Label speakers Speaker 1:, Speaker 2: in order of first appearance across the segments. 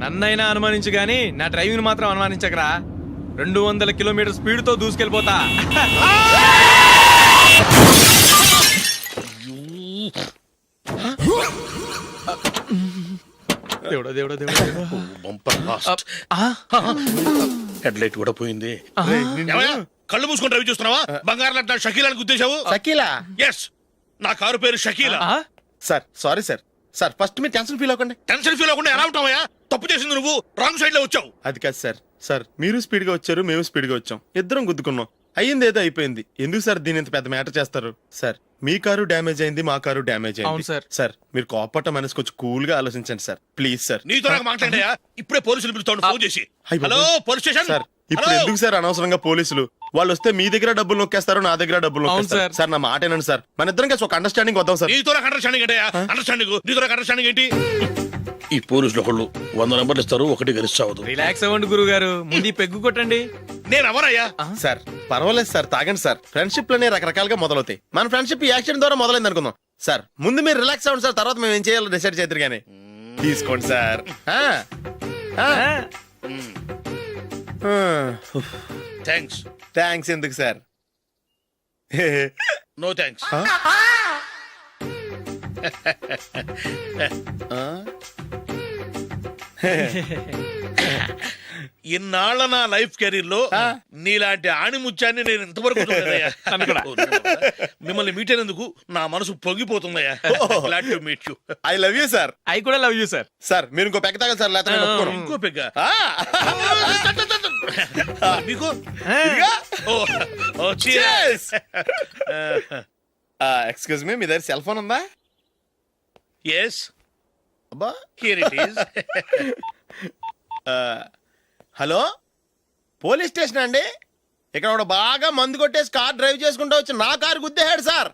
Speaker 1: నన్నైనా అనుమానించు గాని నా డ్రైవింగ్ మాత్రం అనుమానించకరా. 200 కిలోమీటర్ స్పీడ్ తో దూసుకెళ్ళిపోతా. దేవుడా దేవుడా దేవుడా.
Speaker 2: హెడ్ లైట్ కూడా పోయింది. కళ్ళు మూసుకొని డ్రైవ్ చూస్తున్నావా? బంగారం లాంటి షకీలాని గుద్దేశావు.
Speaker 3: షకీలా?
Speaker 2: ఎస్, నా కారు పేరు Shakeela.
Speaker 3: Sir sorry sir. Sir first మీరు టెన్షన్ ఫీల్ అవ్వకండి.
Speaker 2: టెన్షన్ ఫీల్ అవ్వకుండా ఎలా ఉంటావయ్యా? తప్పు చేసింది నువ్వు, రాంగ్ సైడ్ లో వచ్చావు.
Speaker 3: అది కాదు సార్. సార్ మీరు స్పీడ్ గా వచ్చారు, మేము స్పీడ్ గా వచ్చాం, ఇద్దరం గుద్దుకున్నాం. అయ్యింది ఏదో అయిపోయింది. ఎందుకు సార్ దీని ఇంత పెద్ద మ్యాటర్ చేస్తారు? సార్ మీ కారు డ్యామేజ్ అయింది, మా కారు డ్యామేజ్ అయింది. సార్ మీరు కోపట్ట మనసు కొంచెం కూల్ గా ఆలోచించండి సార్, ప్లీజ్ సార్.
Speaker 2: నీతో నాకు మాట్లాడయా? ఇప్పుడే పోలీసులు పిలుస్తాను, ఫోన్ చేసి. Hello police station.
Speaker 3: సార్ ఇప్పుడు ఎందుకు సార్ అనవసరంగా పోలీసులు? వాళ్ళు వస్తే మీ దగ్గర డబ్బులు నొక్కేస్తారు, నా దగ్గర డబ్బులు నొక్కేస్తారు. సార్ నా మాట ఏనండి సార్, మన ఇద్దరం కలిసి ఒక అండర్స్టాండింగ్ వద్దాం సార్.
Speaker 2: నీతో నాకు అండర్స్టాండింగ్ ఏంటయ్యా? అండర్స్టాండింగ్ నీతో నాకు అండర్స్టాండింగ్ ఏంటి? ఈ పోలీసులు ఒకళ్ళు 100 నెంబర్లు ఇస్తారు, ఒకటి గెలిచావదు.
Speaker 1: రిలాక్స్ అవ్వండి గురువు గారు, ముందు పెగ్గు కొట్టండి.
Speaker 2: నేను ఎవరయ్యా?
Speaker 3: సార్ పర్వాలేదు సార్, తాగండి సార్. ఫ్రెండ్షిప్ లోనే రకరకాలుగా మొదలవుతాయి. మన ఫ్రెండ్షిప్ ఈ యాక్సిడెంట్ ద్వారా మొదలైంది అనుకుందాం. సార్ ముందు మీరు రిలాక్స్ అవ్వండి సార్, తర్వాత మేము ఏం చేయాలో డిసైడ్ చేద్దరు గానీ. తీసుకోండి సార్.
Speaker 2: థ్యాంక్స్.
Speaker 3: థ్యాంక్స్ ఎందుకు సార్?
Speaker 2: No thanks. ఇన్నాళ్ళ నా లైఫ్ కెరీర్ లో నీలాంటి ఆణిముత్యాన్ని నేను ఇంతవరకు చూడలేదయ్యా. మిమ్మల్ని మీట్ అయినందుకు నా మనసు పొంగిపోతుందయ్యా. Glad to meet you.
Speaker 3: I love you sir.
Speaker 1: I కూడా లవ్ యూ సార్.
Speaker 3: సార్ మీరు ఇంకో పెక్క తాగండి సార్, లేకపోతే నేను ఒప్పుకోను.
Speaker 2: ఇంకో పెగ్గ మీకు?
Speaker 3: ఎక్స్క్యూజ్ మీ, మీ దగ్గర సెల్ ఫోన్ ఉందా?
Speaker 2: ఎస్,
Speaker 3: అబ్బా
Speaker 2: here it is.
Speaker 3: Hello, police station అండి. ఇక్కడ ఒకడు బాగా మందు కొట్టేసి కార్ డ్రైవ్ చేసుకుంటూ వచ్చి నా కారు గుద్దేశాడు సార్.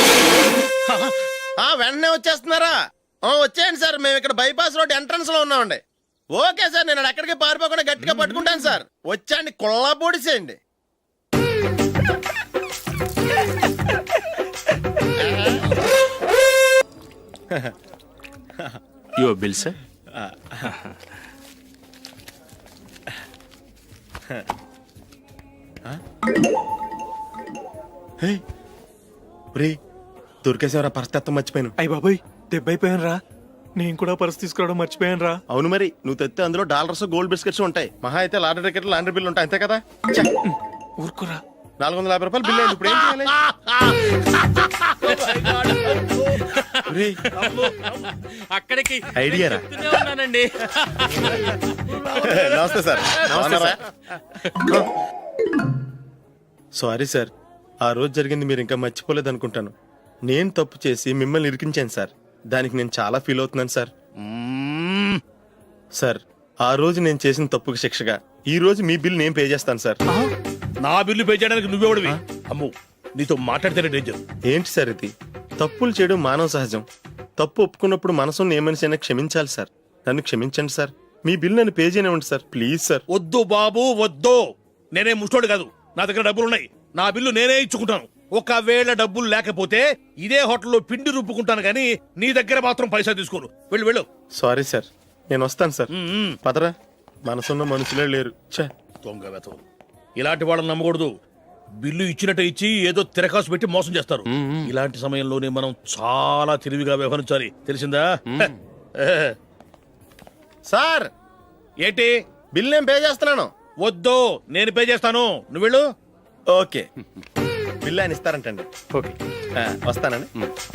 Speaker 3: వెంటనే వచ్చేస్తున్నారా? వచ్చేయండి సార్, మేము ఇక్కడ బైపాస్ రోడ్ ఎంట్రన్స్ లో ఉన్నామండి. ఓకే సార్, నేను ఎక్కడికి పారిపోకుండా గట్టిగా పట్టుకుంటాను సార్. వచ్చాండి, కుళ్ళ పొడిసేయండి.
Speaker 4: Your bill sir.
Speaker 3: దొరికేసేవరా, పరిస్థితి మర్చిపోయాను.
Speaker 1: అయ్య బాబాయ్, దెబ్బైపోయాను రా. నేను కూడా పర్స్ తీసుకురావడం మర్చిపోయాను రా.
Speaker 3: అవును మరి, నువ్వు తెస్తే అందులో డాలర్స్ గోల్డ్ బిస్కెట్స్ ఉంటాయి. మహా అయితే లాటరీ టికెట్ లాండ్రీ బిల్లు ఉంటాయి, అంతే కదా.
Speaker 1: ఊరుకురా.
Speaker 3: 450 రూపాయలు బిల్లు అయింది. ఇప్పుడు ఏం చేయాలి?
Speaker 1: అక్కడికి
Speaker 3: ఐడియా రా.
Speaker 1: ఉన్నానండి.
Speaker 3: నమస్తే సార్. సారీ సార్, ఆ రోజు జరిగింది మీరు ఇంకా మర్చిపోలేదు అనుకుంటాను. నేను తప్పు చేసి మిమ్మల్ని ఇరికించాను సార్. దానికి నేను చాలా ఫీల్ అవుతున్నాను సార్. సార్ ఆ రోజు నేను చేసిన తప్పుకి శిక్షగా ఈ రోజు మీ బిల్ నేను పే చేస్తాను సార్.
Speaker 2: నా బిల్లు పే చేయడానికి నువ్వెవడివి? అమ్ము, నీతో మాట్లాడితేనే డేంజర్.
Speaker 3: ఏంటి సార్ ఇది? తప్పులు చేయడం మానవ సహజం. తప్పు ఒప్పుకున్నప్పుడు మనసుని ఏ మనిషి అయినా క్షమించాలి సార్. నన్ను క్షమించండి సార్. మీ బిల్ నన్ను పే చేయనివ్వండి సార్, ప్లీజ్ సార్.
Speaker 2: వద్దు బాబు వద్దు, నేనే ముష్టోడు కాదు. నా దగ్గర డబ్బులున్నాయి, నా బిల్లు నేనే ఇచ్చుకుంటాను. ఒకవేళ డబ్బులు లేకపోతే ఇదే హోటల్లో పిండి రుబ్బుకుంటాను, కానీ నీ దగ్గర మాత్రం పైసా తీసుకోను. వెళ్ళు వెళ్ళు.
Speaker 3: సారీ సార్, నేను వస్తాను సార్. పదరా, మనసున్న మనుషులే లేరు.
Speaker 2: దొంగ వెతవు, ఇలాంటి వాళ్ళని నమ్మకూడదు. బిల్లు ఇచ్చినట్టు ఇచ్చి ఏదో తిరకాసు పెట్టి మోసం చేస్తారు. ఇలాంటి సమయంలోనే మనం చాలా తెలివిగా వ్యవహరించాలి, తెలిసిందా?
Speaker 3: సార్
Speaker 2: ఏంటి?
Speaker 3: బిల్ నేను పే చేస్తున్నాను.
Speaker 2: వద్దు, నేను పే చేస్తాను, నువ్వు వెళ్ళు.
Speaker 3: ఓకే, బిల్ ఆయన ఇస్తారంటండి.
Speaker 1: ఓకే,
Speaker 3: వస్తానండి.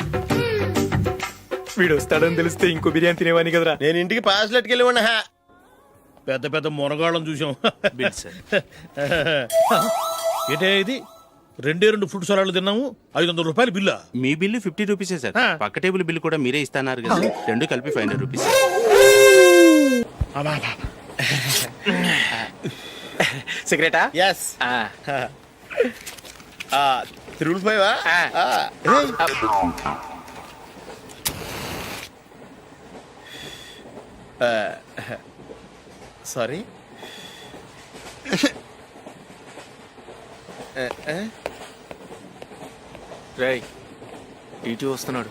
Speaker 1: వీడు వస్తాడని తెలిస్తే ఇంకో బిర్యానీ తినేవాని కదరా.
Speaker 3: నేను ఇంటికి పాస్లెట్కి వెళ్ళి ఉన్నా.
Speaker 2: పెద్ద పెద్ద మునగాళ్ళం చూసాం.
Speaker 4: Bill sir.
Speaker 2: ఏంటే ఇది? 2 ఫ్రూట్ సలాడ్లు తిన్నాము, 500 రూపాయలు బిల్లా?
Speaker 4: మీ బిల్లు 50 రూపీసే సార్. పక్క టేబుల్ బిల్లు కూడా మీరే ఇస్తాన్నారు కదా, రెండు కలిపి 500 రూపీస్.
Speaker 1: సిగరెటా?
Speaker 3: ఎస్. 3 సారీ.
Speaker 1: రేయ్, ఇటు వస్తున్నాడు.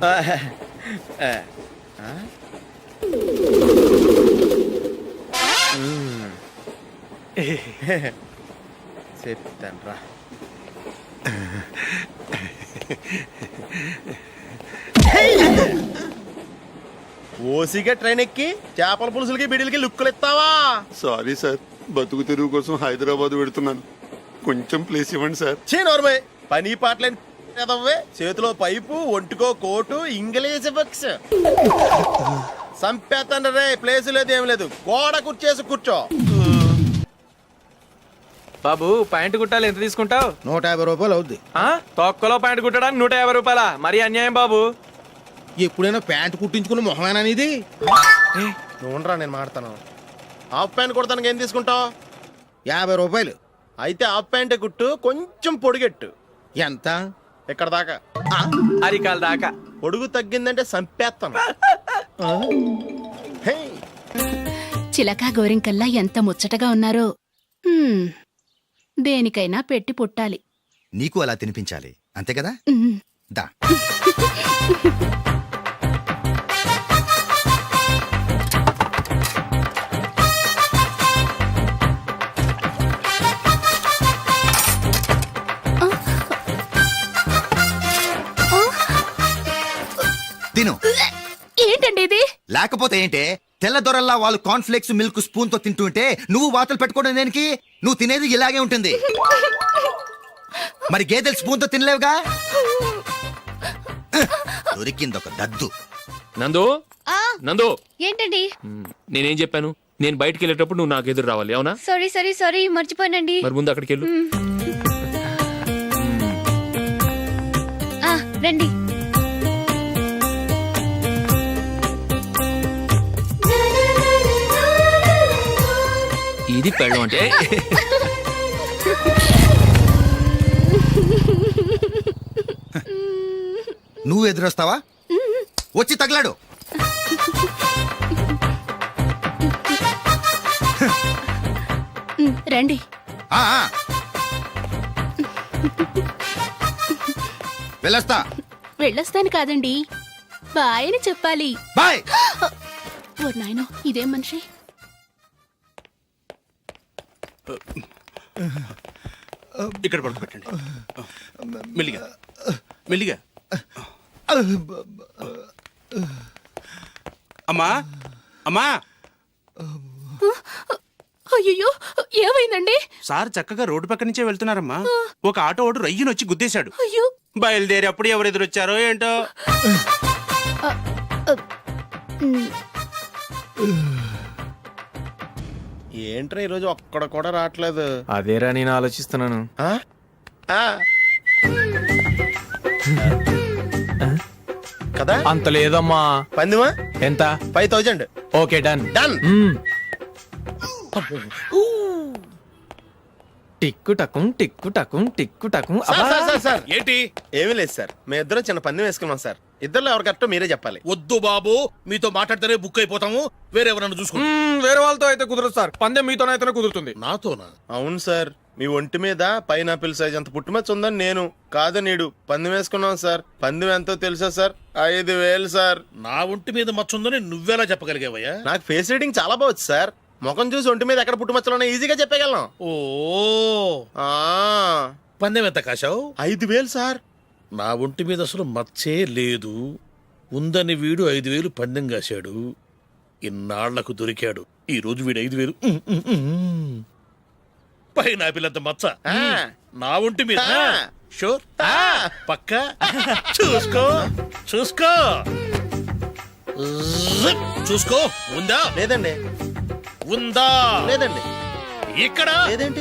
Speaker 3: చెప్తాను రా. ఓసిగా ట్రైన్ ఎక్కి చేపల పులుసులకి బిడిలకి లుక్కులు ఇస్తావా?
Speaker 5: సారీ సార్, బతుకు తెరువు కోసం హైదరాబాద్ పెడుతున్నాను. కొంచెం ప్లేస్ ఇవ్వండి సార్.
Speaker 3: నోర్మే పని పాటలేని ఎదవ్వే. చేతిలో పైపు, ఒంటికో కోటు, ఇంగ్లీష్ బుక్స్. సంపేతండ్రి రే, ప్లేస్ లేదు ఏం లేదు. గోడ కుర్చేసి కూర్చో.
Speaker 1: బాబు ప్యాంటు కుట్టాలి, ఎంత తీసుకుంటావు?
Speaker 6: 150 రూపాయలు అవుద్ది.
Speaker 1: తొక్కలో ప్యాంటు కుట్టడానికి 150 రూపాయల? మరి అన్యాయం బాబు.
Speaker 6: ఎప్పుడైనా ప్యాంట్ కుట్టించుకున్న మొహమేనా ఇది?
Speaker 3: నువ్వురా, నేను మాడతాను. హాఫ్ ప్యాంట్ కుడతానికి ఏం తీసుకుంటావు?
Speaker 6: 50 రూపాయలు.
Speaker 3: అయితే హాఫ్ ప్యాంటే కుట్టు, కొంచెం పొడిగెట్టు.
Speaker 6: ఎంత?
Speaker 3: ఇక్కడ దాకా,
Speaker 1: అరికాల దాకా.
Speaker 3: పొడుగు తగ్గిందంటే సంపేస్తాను. హే,
Speaker 7: చిలకా గోరింకల్లా ఎంత ముచ్చటగా ఉన్నారో. హ్మ్, దేనికైనా పెట్టి పుట్టాలి.
Speaker 8: నీకు అలా తినిపించాలి, అంతే కదా?
Speaker 7: ఉమ్.
Speaker 8: దా. తిను.
Speaker 7: ఏంటండి ఇది?
Speaker 8: లేకపోతే ఏంటే, తెల్లదొరల్లా వాళ్ళు కార్న్ఫ్లేక్స్ మిల్క్ స్పూన్ తో తింటుంటే నువ్వు వాతలు పెట్టుకోవడం దేనికి? నువ్వు తినేది ఇలాగే ఉంటుంది. మరి గేదెలు స్పూన్ తో తినలేవుగా. దొరికింది ఒక దద్దు.
Speaker 9: నందు, నందు,
Speaker 10: ఏంటండి?
Speaker 9: నేనేం చెప్పాను? నేను బయటికి వెళ్ళేటప్పుడు నువ్వు నాకు ఎదురు రావాలి, అవునా?
Speaker 10: సారీ మర్చిపోయానండి.
Speaker 9: మరి ముందు అక్కడికి వెళ్ళు.
Speaker 10: రండి.
Speaker 9: ఇది పెళ్ళం అంటే.
Speaker 8: నువ్వు ఎదురొస్తావా? వచ్చి తగలాడు.
Speaker 7: రండి.
Speaker 8: ఆ, ఆ. వెళ్ళొస్తా.
Speaker 7: వెళ్ళొస్తాను కాదండి, బాయ్ అని చెప్పాలి.
Speaker 8: బాయ్.
Speaker 7: ఓ నాయనో, ఇదేం మనిషి?
Speaker 4: ఇక్కడ పడుకోబెట్టండి. మెల్లిగా మెల్లిగా. అమ్మా, అమ్మా.
Speaker 7: అయ్యో, ఏమైందండి?
Speaker 4: సార్ చక్కగా రోడ్డు పక్క నుంచే వెళ్తున్నారమ్మా. ఒక ఆటో ఓడు రయ్యను వచ్చి గుద్దేశాడు.
Speaker 7: అయ్యో.
Speaker 4: బయలుదేరి అప్పుడు ఎవరు ఎదురొచ్చారో ఏంటో.
Speaker 3: ఏంట్రా ఈరోజు ఒక్కడ కూడా రావట్లేదు?
Speaker 1: అదేరా నేను ఆలోచిస్తున్నాను.
Speaker 3: ఆ? ఆ. కదా
Speaker 1: అంత లేదమ్మా.
Speaker 3: పందిమా
Speaker 1: ఎంత?
Speaker 3: 5000.
Speaker 1: Okay, done.
Speaker 3: డన్.
Speaker 1: టిక్కు టకుం టిక్కు టకుం టిక్కు టకుం.
Speaker 2: సార్ ఏంటి?
Speaker 3: ఏమీ లేదు సార్, మేము ఇద్దరం చిన్న పందెం వేసుకున్నాం సార్. ఇద్దరులో ఎవరు కరెక్టో మీరే చెప్పాలి.
Speaker 2: వద్దు బాబు, మీతో మాట్లాడితేనే బుక్ అయిపోతాము. వేరే ఎవరన్నా చూసుకుంటాం.
Speaker 1: వేరే వాళ్ళతో అయితే కుదరదు సార్, పందెం మీతోనైతేనే కుదురుతుంది.
Speaker 2: నాతోనా?
Speaker 3: అవును సార్, మీ ఒంటి మీద పైనాపిల్ సైజ్ అంత పుట్టుమచ్చ ఉందని నేను కాదు నీడు పందెం వేసుకున్నాం సార్. పందెం ఎంతో తెలుసా సార్? 5000 సార్.
Speaker 2: నా ఒంటి మీద మచ్చ ఉందని నువ్వెలా చెప్పగలిగావయ్యా?
Speaker 3: నాకు ఫేస్ రీడింగ్ చాలా బాగుంది సార్. ముఖం చూసి ఒంటి మీద ఎక్కడ పుట్టుమచ్చలో ఈజీగా చెప్పగలం.
Speaker 2: ఓ,
Speaker 3: ఆ,
Speaker 2: పందెం ఎంత కాశావు?
Speaker 3: 5000 సార్.
Speaker 2: నా ఒంటి మీద అసలు మచ్చే లేదు. ఉందని వీడు 5000 పందెం కాశాడు. ఇన్నాళ్లకు దొరికాడు. ఈ రోజు వీడు 5000. పైన పిల్లంత మచ్చ నా ఒంటి మీద. షూర్? పక్క చూసుకో చూసుకో చూసుకో. ఉందా?
Speaker 3: లేదండి.
Speaker 2: ఉందా?
Speaker 3: లేదండి.
Speaker 2: ఇక్కడ
Speaker 3: లేదేంటి?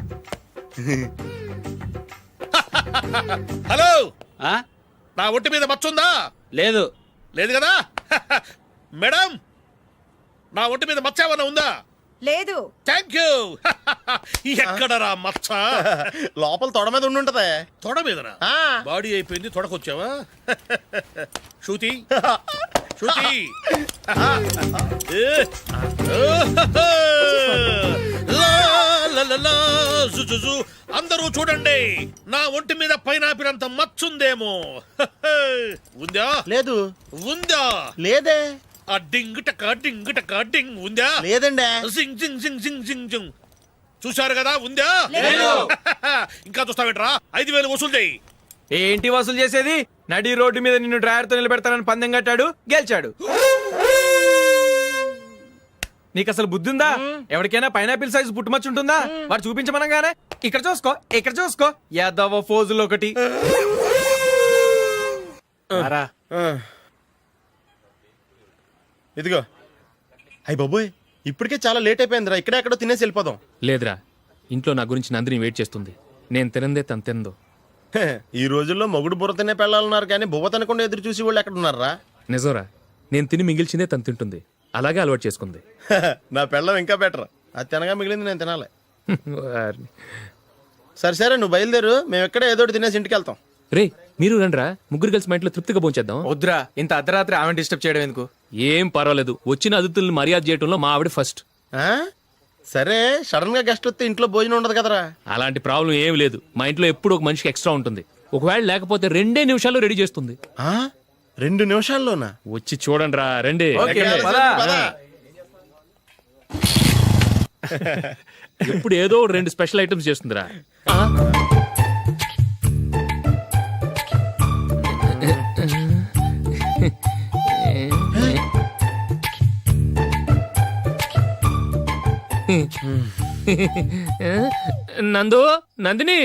Speaker 2: హలో,
Speaker 4: ఆ?
Speaker 2: నా ఒంటి మీద మచ్చ ఉందా?
Speaker 4: లేదు.
Speaker 2: లేదు కదా? మేడం, నా ఒంటి మీద మచ్చ ఏమన్నా ఉందా?
Speaker 10: లేదు.
Speaker 2: Thank you. ఎక్కడరా మచ్చ?
Speaker 3: లోపల తొడ మీద ఉండుంటదే.
Speaker 2: తొడ మీదనా? బాడీ అయిపోయింది, తొడకొచ్చావా? శృతి శృతి. లా, లా, లలలా, జుజుజు. అందరూ చూడండి, నా ఒంటి మీద పైనాపిల్ అంత మచ్చుందేమో. ఉందా?
Speaker 6: లేదు
Speaker 2: ఉందా?
Speaker 6: లేదే
Speaker 2: ఆ డింగ్ టక డింగ్ టక డింగ్ ఉందా?
Speaker 6: లేదండి
Speaker 2: జింగ్ జింగ్ జింగ్ జింగ్ జింగ్ జింగ్. చూశారు కదా, ఉందా? ఇంకా చూస్తావేంట్రా? 5,000 వసూలు చేయి.
Speaker 1: ఏంటి వసూలు చేసేది? నడి రోడ్డు మీద నిన్ను డ్రైవర్తో నిలబెడతానని పందెం కట్టాడు, గెలిచాడు. నీకు అసలు బుద్ధి ఉందా? ఎవరికైనా పైనాపిల్ సైజ్ పుట్టుమచ్చు ఉంటుందా? వాడు చూపించమనగానే ఇక్కడ చూసుకో, ఇక్కడ చూసుకో, యాదవ ఫోజులు ఒకటి. అరా
Speaker 3: ఇదిగో. అయ్యి బాబోయ్, ఇప్పటికే చాలా లేట్ అయిపోయిందిరా. ఇక్కడే ఎక్కడో తినేసి వెళ్ళిపోదాం.
Speaker 9: లేదురా, ఇంట్లో నా గురించి నందిని వెయిట్ చేస్తుంది. నేను తినందే తను తిందో.
Speaker 3: హే, ఈ రోజుల్లో మొగుడు బుర్ర తినే పెళ్ళాలన్నారు కానీ బువ్వ తినకుండా ఎదురు చూసి వాళ్ళు ఎక్కడ ఉన్నారా?
Speaker 9: నిజంరా, నేను తిని మిగిల్చిందే తను తింటుంది. అలాగే అలవాటు చేసుకుంది.
Speaker 3: నా పెళ్ళం ఇంకా బెటర్. అది తినగా మిగిలింది నేను తినాలి.
Speaker 9: వారిని.
Speaker 3: సరే సరే, నువ్వు బయలుదేరు. మేము ఎక్కడ ఏదో ఒకటి తినేసి ఇంటికి వెళ్తాం.
Speaker 9: రే, మీరు రండ్రా, ముగ్గురు కలిసి మా ఇంట్లో తృప్తిగా పోంచేద్దాం.
Speaker 1: వద్దురా, ఇంత అర్ధరాత్రి ఆమె డిస్టర్బ్ చేయడం ఎందుకు?
Speaker 9: ఏం పర్వాలేదు, వచ్చిన అతిథులను మర్యాద చేయడంలో మా ఆవిడ ఫస్ట్.
Speaker 3: ఆ? సరే, సడన్ గా గెస్ట్ వస్తే ఇంట్లో భోజనం ఉండదు కదరా.
Speaker 9: అలాంటి ప్రాబ్లం ఏం లేదు. మా ఇంట్లో ఎప్పుడు ఒక మనిషికి ఎక్స్ట్రా ఉంటుంది. ఒకవేళ లేకపోతే 2 నిమిషాల్లో రెడీ చేస్తుంది.
Speaker 3: ఆ? 2 నిమిషాల్లోనా?
Speaker 9: వచ్చి చూడండి రా, రండి.
Speaker 1: ఓకే, పద.
Speaker 9: ఎప్పుడు ఏదో 2 స్పెషల్ ఐటమ్స్ చేస్తుందిరా. నందు, నందిని,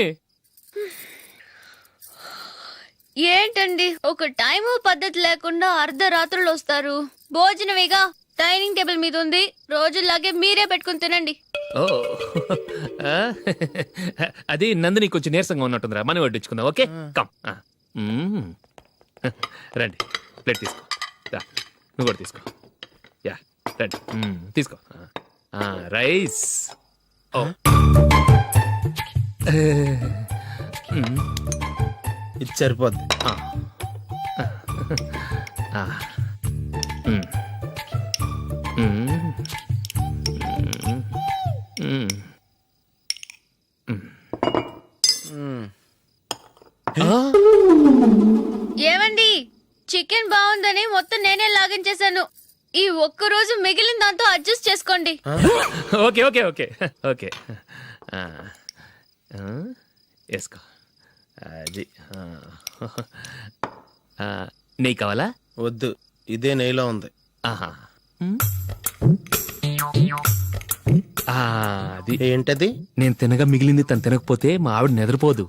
Speaker 10: ఏంటండి ఒక టైము పద్ధతి లేకుండా అర్ధరాత్రులు వస్తారు? భోజనమేగా డైనింగ్ టేబుల్ మీద ఉంది, రోజుల్లాగే మీరే పెట్టుకుని తినండి.
Speaker 9: ఓ, అది నందిని కొంచెం నీరసంగా ఉన్నట్టుందిరా. మనం వడ్డించుకుందాం. Okay, come. రండి, ప్లేట్ తీసుకో. రా, నువ్వు కూడా తీసుకో. యా, రండి, తీసుకో. రైస్. ఓ,
Speaker 3: ఇది సరిపోద్ది.
Speaker 10: ఏమండి, చికెన్ బాగుందని మొత్తం నేనే లాగించేశాను. ఈ ఒక్క రోజు మిగిలిన దాంతో అడ్జస్ట్ చేసుకోండి.
Speaker 9: Okay okay okay okay. వేసుకో. అది నెయ్యి కావాలా?
Speaker 3: వద్దు, ఇదే నెయ్యిలో ఉంది.
Speaker 9: ఆహా. అది
Speaker 3: ఏంటది?
Speaker 9: నేను తినగా మిగిలింది తను తినకపోతే మా ఆవిడ నిద్రపోదు.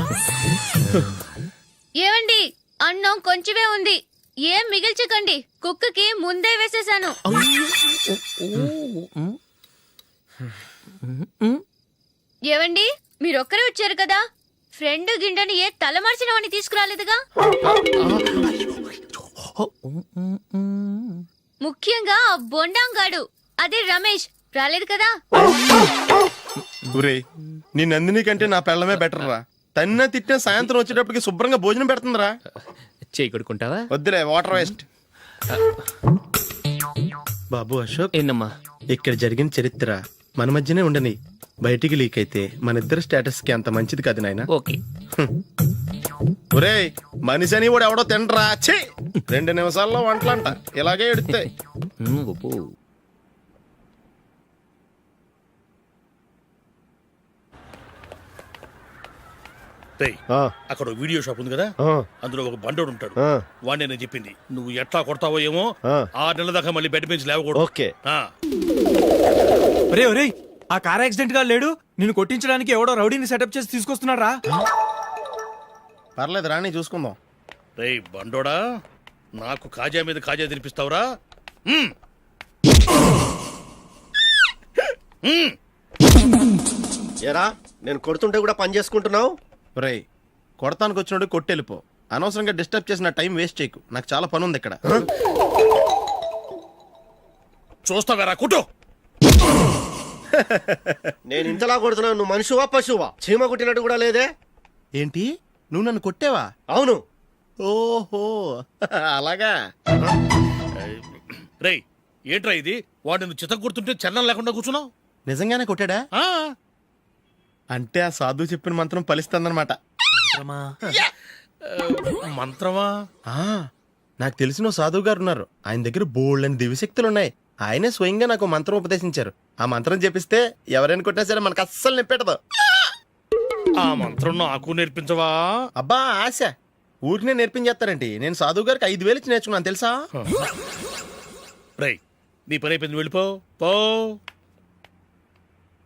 Speaker 10: ఏమండి, అన్నం కొంచెమే ఉంది, ఏం మిగిల్చకండి. కుక్కకి ముందే వేసేసాను. ఏవండి, మీరొక్కరే వచ్చారు కదా, ఫ్రెండ్ గిండెని ఏ తలమార్చిన వాడిని తీసుకురాలేదుగా? ముఖ్యంగా ఆ బొండాంగాడు, అదే రమేష్, రాలేదు కదా?
Speaker 3: ఒరేయ్, నీ నందిని కంటే నా పెళ్ళమే బెటర్ రా. తన్న తిట్టిన సాయంత్రం వచ్చేటప్పటికి శుభ్రంగా భోజనం పెడుతుందిరా.
Speaker 9: చేయి కొడుకుంటావా?
Speaker 3: వద్దులే, వాటర్ వేస్ట్. బాబు అశోక్,
Speaker 9: ఏంటమ్మా?
Speaker 3: ఇక్కడ జరిగిన చరిత్ర మన మధ్యనే ఉండని. బయటికి లీక్ అయితే మన ఇద్దరు స్టేటస్ కి అంత మంచిది కాదు నాయన.
Speaker 9: ఓకే.
Speaker 3: ఒరేయ్, మనిషి అని కూడా ఎవడో తినరా. 2 నిమిషాల్లో వంటలంట ఇలాగే ఎడుతాయి.
Speaker 2: అక్కడ వీడియో షాప్ ఉంది కదా, అందులో ఒక బండోడు ఉంటాడు. వాడిని నేను చెప్పింది, నువ్వు ఎట్లా కొడతావో ఏమో. 6 నెలల దాకా మళ్ళీ బెడ్ పెంచి లేవకూడదు.
Speaker 3: ఓకే.
Speaker 1: ఒరే ఒరే, ఆ కార్ యాక్సిడెంట్ గా లేడు, నిన్ను కొట్టించడానికి ఎవడో రౌడీని సెటప్ చేసి తీసుకొస్తున్నారా?
Speaker 3: పర్లేదు రాని, చూసుకుందాం.
Speaker 2: రేయ్ బండోడా, నాకు కాజా మీద కాజా తినిపిస్తావురా?
Speaker 6: ఎరా, నేను కొడుతుంటే కూడా పని చేసుకుంటున్నావు.
Speaker 3: ఒరేయ్, కొడతానికి వచ్చినోడు కొట్టెళ్ళిపో. అనవసరంగా డిస్టర్బ్ చేసిన టైం వేస్ట్ చేయకు. నాకు చాలా పని ఉంది ఇక్కడ.
Speaker 2: చూస్తావేరా కుట్టు.
Speaker 6: నేను ఇంతలా కొడుతున్నావు, నువ్వు మనిషివా పశువా? చీమ కుట్టినట్టు కూడా లేదే.
Speaker 3: ఏంటి, నువ్వు నన్ను కొట్టేవా?
Speaker 6: అవును.
Speaker 3: ఓహో, అలాగా.
Speaker 2: రేయ్ ఏంట్రా ఇది? వాడు నువ్వు చిత్త గుర్తుంటే చలనం లేకుండా కూర్చున్నావు.
Speaker 3: నిజంగానే కొట్టాడా? అంటే ఆ సాధువు చెప్పిన మంత్రం ఫలిస్తుందన్నమాట.
Speaker 2: మంత్రమా?
Speaker 3: ఆ, నాకు తెలిసిన ఓ సాధువు గారు ఉన్నారు. ఆయన దగ్గర బోల్డ్ అని దివ్యశక్తులు ఉన్నాయి. ఆయనే స్వయంగా నాకు ఓ మంత్రం ఉపదేశించారు. ఆ మంత్రం చెప్పిస్తే ఎవరైనా కొట్టినా సరే మనకు అస్సలు నిప్పెట్టదు.
Speaker 2: ఆ మంత్రం నాకు నేర్పించవా?
Speaker 3: అబ్బా ఆశ, ఊరినే నేర్పించేస్తారండి. నేను సాధువు గారికి 5,000 ఇచ్చి నేర్చుకున్నాను తెలుసా.
Speaker 2: రేయ్, నీ పని అయిపోయింది, వెళ్ళిపో. పో.